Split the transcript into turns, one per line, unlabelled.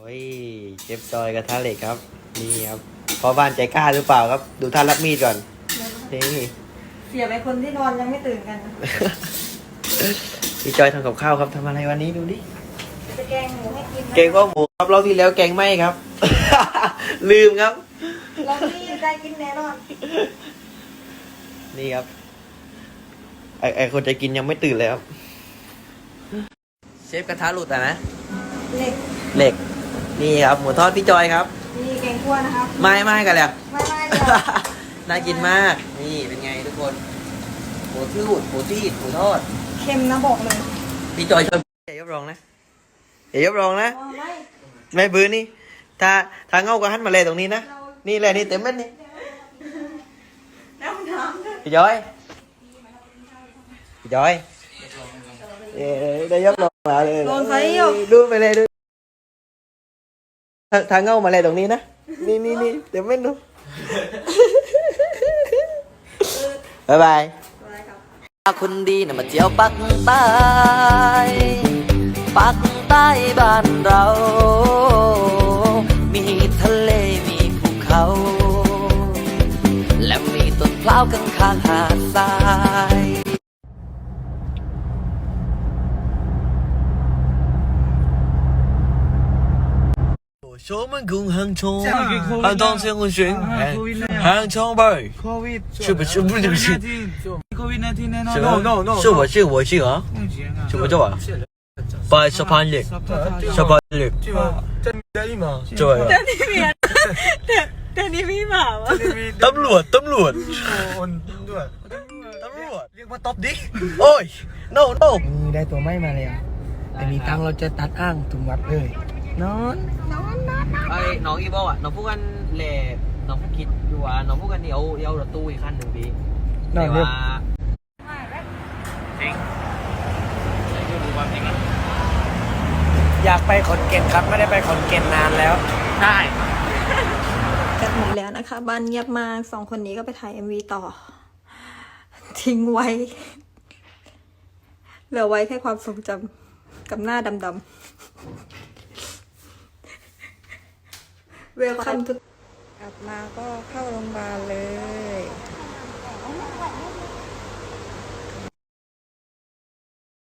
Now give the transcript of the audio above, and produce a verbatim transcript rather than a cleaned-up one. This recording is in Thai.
ยเชฟจอยกระทะเหล็กครับนี่ครับพ่อบ้านใจกล้าหรือเปล่าครับดูท่านรับมีดก่อนนี่
เสียไปคนที่นอนยังไม่ตื่นกันนะ
พี่จอยทำกับข้าวครับทำอะไรวันนี้ดูดิ
จะแกงหมูให้กินนะ
แกงข้าวหมูครับรอบที่แล้วแกงไหมครับ ลืมครับ
เราที่ได้กินแน่นอน
นี่ครับไอไอคนจะกินยังไม่ตื่นเลยครับเชฟกระทะหลุดอ่ะนะ
เหล็ก
เหล็กนี่ครับหมูทอดพี่จอยครับ
มีแกงคั่วนะครับ
ไม่ไม่กันแล้ว
ไม่ไม่เดี๋ยว
น่ากินมาก นี่เป็นไงทุกคนหมูทืดหมูที่หมูทอด
เค็มนะบอกเลย
พี่จอยชอบอย่ายกรองนะอย่ายกรองนะ
อ๋อไม่
ไม่บื้อนี่ถ้าถ้าเงาก็หันมาเลยตรงนี้นะนี่เลยนี่เต็มเม็ดนี่
น้ำน้ำด้วย
พี่จอยพี่จอยเอ้ยได้ยกรองมาเลย
ลงไฟอยู่
ดูไปเลยดูถ้าถ้าเงามาเลยตรงนี้นะนี่นี่นี่เต็มเม็ดดูบ๊ายบาย
อะไรครับ
คนดีนะมาเที่ยวปักใต้ปักใต้บ้านเรา มีทะเลมีภูเขา และมีต้นพร้าวข้างข้างหาดทราย我们共杭州，杭州先我选，杭州吧，是不是不是不是？
COVID 十九
是 no no no，是我是我是啊，是我做啊，八十八日，十八日，
对吧？这里嘛，
对，
แต่นี่มีแต่แต่นี่มีหมาวะ
ตำรวจตำรวจ
ด้วย
ตำรวจเรียกว่าตบดิโอ้ย no no
ได้ตัวไม้มาแล้วแต่มีตังค์เราจะตัดอ้างถึงวัดเลยนอน
ไอ้น้องอีบอกอ่ะน้องพูดกันแหล่น้องพูดคิดอยู่ว่าน้องพูดกันเดี๋ยวเดี๋ยวรถตู้อีกคันหนึ่งพี่
นอนเรียบ
จริง
อยากไปขอนแก่นครับไม่ได้ไปขอนแก่นนานแล้ว
ได้
กันหมดแล้วนะคะบ้านเงียบมากสองคนนี้ก็ไปถ่าย เอ็ม วี ต่อ ทิ้งไว้ เหลือไว้แค่ความทรงจำกับหน้าดำๆเวลคัมทุกกลับมาก็เข้าโรงพยาบาลเลย